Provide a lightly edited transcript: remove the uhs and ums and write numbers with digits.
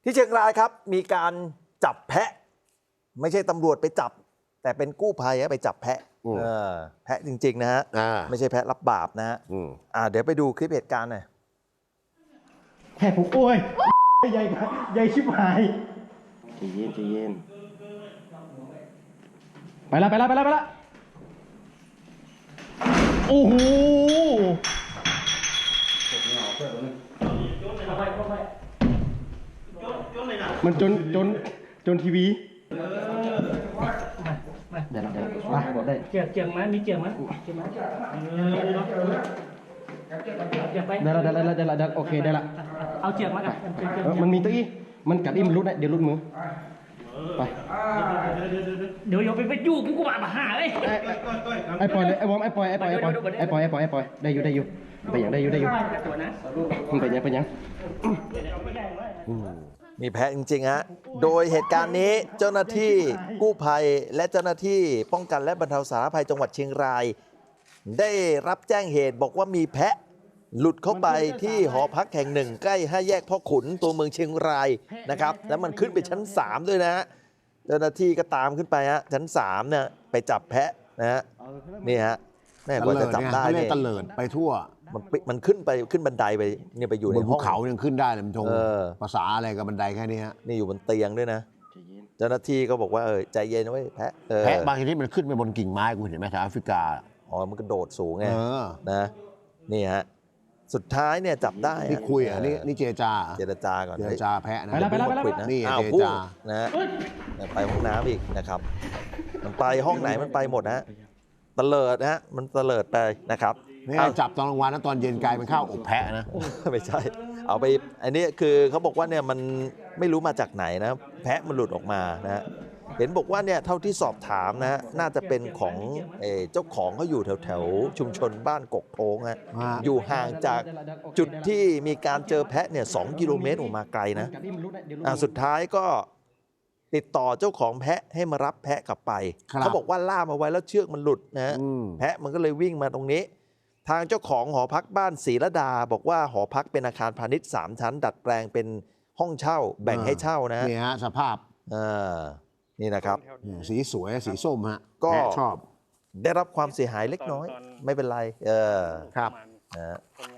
ที่เชียงรายครับมีการจับแพะไม่ใช่ตำรวจไปจับแต่เป็นกู้ภัยไปจับแพะแพะจริงๆนะฮะไม่ใช่แพะรับบาปนะฮะเดี๋ยวไปดูคลิปเหตุการณ์หน่อยแพะผมโอ้ยใหญ่ใหญ่ชิบหายใจเย็นใจเย็นไปละโอ้โหมันจนทีวีเดี๋ยวมาได้เจียงไหมมีเจียงไหมได้โอเคได้ละเอาเจียงมากันมันมีตัวอี้มันกัดอี้มันรุดนะเดี๋ยวรุดมือไปเดี๋ยวไปยู่กูมาหาเลยไอ้ปล่อยเลยไอ้วอมไอ้ปล่อยได้อยู่ไปอย่างได้อยู่มันไปยังมีแพะจริงๆฮะโดยเหตุการณ์นี้เจ้าหน้าที่กู้ภัยและเจ้าหน้าที่ป้องกันและบรรเทาสาธารณภัยจังหวัดเชียงรายได้รับแจ้งเหตุบอกว่ามีแพะหลุดเข้าไปที่หอพักแห่งหนึ่งใกล้5 แยกพ่อขุนตัวเมืองเชียงรายนะครับแล้วมันขึ้นไปชั้น3ด้วยนะฮะเจ้าหน้าที่ก็ตามขึ้นไปฮะชั้น3เนี่ยไปจับแพะนะฮะนี่ฮะแม่กว่าจะจับได้เนี่ยตะเลิดไปทั่วมันขึ้นบันไดไปเนี่ยไปอยู่ในห้องภูเขายังขึ้นได้เลยมันทงภาษาอะไรกับบันไดแค่นี้ฮะนี่อยู่บนเตียงด้วยนะเจ้าหน้าที่ก็บอกว่าใจเย็นนะเว้ยแพะบางทีมันขึ้นไปบนกิ่งไม้กูเห็นไหมแถวแอฟริกามันกระโดดสูงไงนะนี่ฮะสุดท้ายเนี่ยจับได้นี่คุยนี่เจรจาก่อนเจรจาแพะนะไปแล้วนี่เจรจานะไปห้องน้ำอีกนะครับมันไปห้องไหนมันไปหมดนะตะเลิดนะฮะมันตะเลิดไปนะครับนี่จับตอนกลางวันนะตอนเย็นกลายเป็นข้าวอบแพะนะไม่ใช่เอาไปอันนี้คือเขาบอกว่าเนี่ยมันไม่รู้มาจากไหนนะแพะมันหลุดออกมานะฮะเห็นบอกว่าเนี่ยเท่าที่สอบถามนะน่าจะเป็นของเจ้าของเขาอยู่แถวชุมชนบ้านกกโทงฮะอยู่ห่างจากจุดที่มีการเจอแพะเนี่ย2 กิโลเมตรออกมาไกลนะสุดท้ายก็ติดต่อเจ้าของแพะให้มารับแพะกลับไปเขาบอกว่าล่ามเอาไว้แล้วเชือกมันหลุดนะแพะมันก็เลยวิ่งมาตรงนี้ทางเจ้าของหอพักบ้านศรีระดาบอกว่าหอพักเป็นอาคารพาณิชย์3 ชั้นดัดแปลงเป็นห้องเช่าแบ่งให้เช่านะนี่ฮะสภาพนี่นะครับสีสวยสีส้มฮะก็ชอบได้รับความเสียหายเล็กน้อยไม่เป็นไรครับ